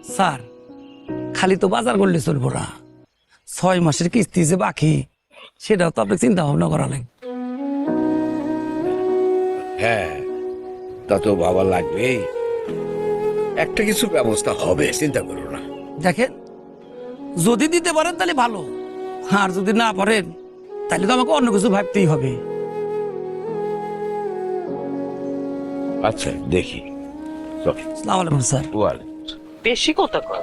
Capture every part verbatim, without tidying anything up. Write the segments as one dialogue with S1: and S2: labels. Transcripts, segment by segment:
S1: Sir খালি তো বাজার করলে চলবো না, ছয় মাসের কিস্তি যে বাকি সেটাও তো আপনাকে চিন্তা ভাবনা করা লাগবে।
S2: হ্যাঁ, তা তো বাবা লাগবেই। একটা কিছু ব্যবস্থা হবে, চিন্তা করো না।
S1: দেখেন, যদি দিতে পারেন তাহলে ভালো, আর যদি না পারেন তাহলে তো আমাকে অন্য কিছু ভাবতেই হবে।
S2: আচ্ছা দেখি। চল।
S1: আসসালামু আলাইকুম স্যার।
S2: ওয়ালাইকুম।
S3: বেশি কথা কয়।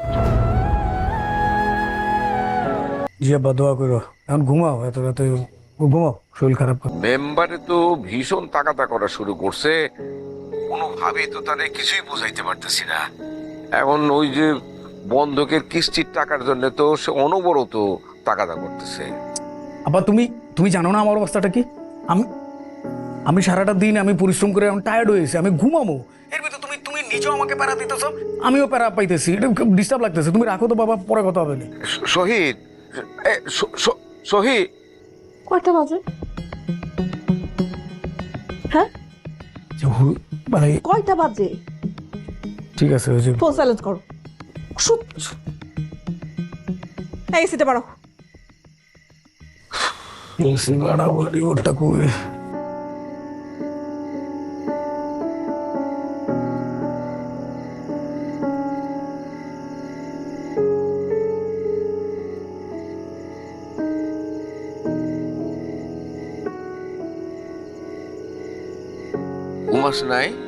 S4: জি আব্বা দোয়া করো, এখন ঘুমাও, এত রাতে ঘুমাও, শরীর খারাপ করে।
S2: মেম্বারে তো ভীষণ তাকাতা করা শুরু করছে, কোনোভাবেই তো তাদের কিছুই বুঝাইতে পারতেছি না। এখন ওই যে বন্ধকের কিস্তির টাকার জন্য তো সে অনবরত তাকাতা করতেছে।
S4: আব্বা তুমি তুমি জানো না আমার অবস্থাটা কি? আমি আমি সারাটা দিন আমি পরিশ্রম করে এখন টায়ার্ড হয়েছি, আমি ঘুমাবো, এর ভিতরে তুমি তুমি নিজেও আমাকে প্যারা দিতেছো, আমিও প্যারা পাইতেছি, এটা ডিস্টার্ব লাগতেছে। তুমি রাখো তো বাবা, পরে কথা হবে না।
S2: শ- শহীদ, এ, শ- শ- শহীদ,
S5: কয়টা বাজে? হ্যাঁ,
S4: যে হু- মানে
S5: কয়টা বাজে?
S4: ঠিক আছে, ওই যে
S5: ফোন সাইলেন্ট করো। শুট। এই সিটে পারো।
S4: সিঙ্গাড়া বলি ওটা কই?
S2: ঘুমাস নাই?